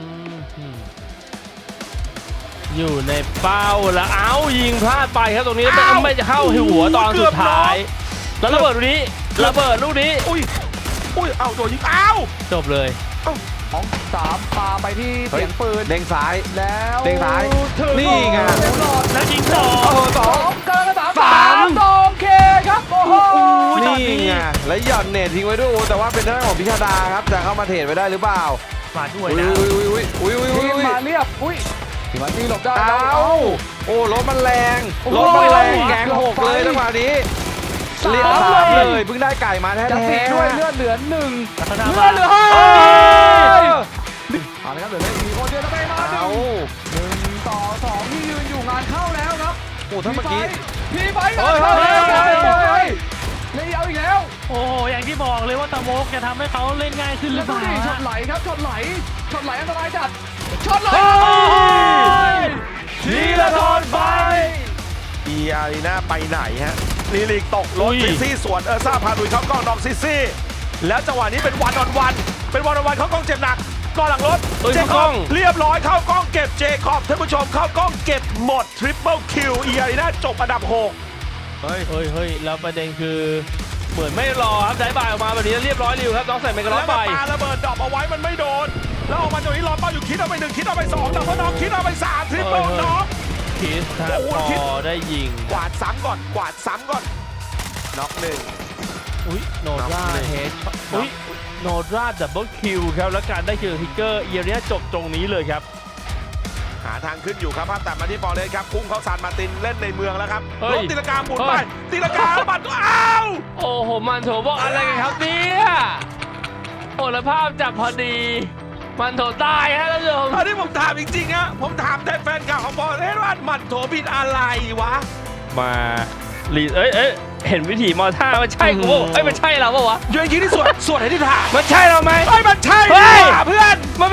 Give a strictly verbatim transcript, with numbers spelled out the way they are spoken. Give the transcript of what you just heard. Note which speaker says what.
Speaker 1: อยู่ในเป้าแล้วเอ้ายิงพลาดไปครับตรงนี้ไม่ไม่จะเข้าหัวตอนสุดท้ายแล้วระเบิดลูกนี้ระเบิดลูกนี้
Speaker 2: อุ้ยอุ้ยเอาโดนยิงอ้าว
Speaker 1: จบเลย
Speaker 3: สองสามปาไปที่เสียงปืน
Speaker 2: เด้งซ้าย
Speaker 3: แล้ว
Speaker 2: เด้งซ้ายนี่ไง
Speaker 1: แล้วยิงสอง
Speaker 3: สองเกินสามสามสองเคครับโอ้โห
Speaker 2: นี่ไงแล้วหย่อนเน็ตทิ้งไว้ด้วยแต่ว่าเป็นทางของพิชาดาครับจะเข้ามาเทรดไว้ได้หรือเปล่า
Speaker 1: มาด้วยนะ
Speaker 2: อุ้ยอุ้ยอุ้ยอุ้ยอุ้ย
Speaker 3: มาเรียบอุ้ยทีมาตีหลบได้
Speaker 2: เอาโอ้รถมันแรงรถมันแรงแกงหกเลยจังหวะนี้เรียบสามเลยเพิ่งได้ไก่มาแท้ๆ
Speaker 3: ด้วยเลือดเหลือหนึ่ง
Speaker 1: เลื
Speaker 3: อดเหลือห้าเอาเลยครับเหลือมีคนเดียวแล้วไปมาหนึ่งหนึ่งต่อสองที่ยืนอยู่งานเข้าแล้วครับ
Speaker 2: โอ้ถ้าเมื่อกี้
Speaker 3: พีไฟงานเข้าแล้วเลยเอาอีกแล้ว
Speaker 1: โอ้โหอย่างที่บอกเลยว่าตะโมกจะทำให้เขาเล่นง่ายขึ้นหรือเปล่า
Speaker 3: ช็อตไหลครับช็อตไหลช็อตไหลอันตรายจัดช็อตไหล
Speaker 2: ทีละทอนไปอีอารีนาไปไหนฮะลีลิกตกรถซิซี่สวนเออร์ซ่าพาดุยเข้ากล้องน้องซิซี่แล้วจังหวะนี้เป็นวันออนวันเป็นวันออนวันเข้ากล้องเจ็บหนักกล้องหลังรถเจคอบเรียบร้อยเข้ากล้องเก็บเจคอบท่านผู้ชมเข้ากล้องเก็บหมดทริปเปิลคิวอีอารีนาจบอันดับหก
Speaker 1: เฮ้ยเฮ้ยเฮ้ยแล้วประเด็นคือเหมือนไม่รอครับได้บายออกมาแบบนี้เรียบร้อยริวครับน้องใส่เมกะล็อกไป
Speaker 2: แล้วปาระเบิดดรอปเอาไว้มันไม่โดนแล้วออกมาตรงนี้รอเป้าอยู่คิดเอาไปหนึ่งคิดเอาไปสองแล้วพอน้องคิดเอาไปสามทริปเปิลน้อง
Speaker 1: คิดถ้าพอได้ยิง
Speaker 2: กวาดซ้ำก่อนกวาดซ้ำก่อนน็อกหนึ่ง
Speaker 1: อุ้ยโนราเฮดอุ้ยโนราดับเบิลคิวครับแล้วการได้คิวทิกเกอร์เอียร์นี้จบตรงนี้เลยครับ
Speaker 2: หาทางขึ้นอยู่ครับภาพตัดมาที่บอลเลยครับพุ่งเข้าซานมาตินเล่นในเมืองแล้วครับรถตีลังกาหมุนไปตีลังกาบัตรก็อ้าว
Speaker 1: โอ้โหมันโถบอกอะไรกันครับเนี่ยโอ้แล้วภาพจับพอดีมันโถตายฮะท่านผู้ชม
Speaker 2: อันนี้ผมถามจริงๆฮะผมถามแทนแฟนข่าวของบอลเล่นว่ามันโถผิดอะไรวะ
Speaker 1: มาลีเอ้ยเอ้ยเห็นวิธีมอท่ามันใช่กูเอ้ยมันใช่เราปะวะ
Speaker 2: โยนยิงที่สวนสวนให้ที่ถาม
Speaker 1: มันใช่เราไหม
Speaker 2: เอ้ยมันใช่เพื่อน
Speaker 1: มัน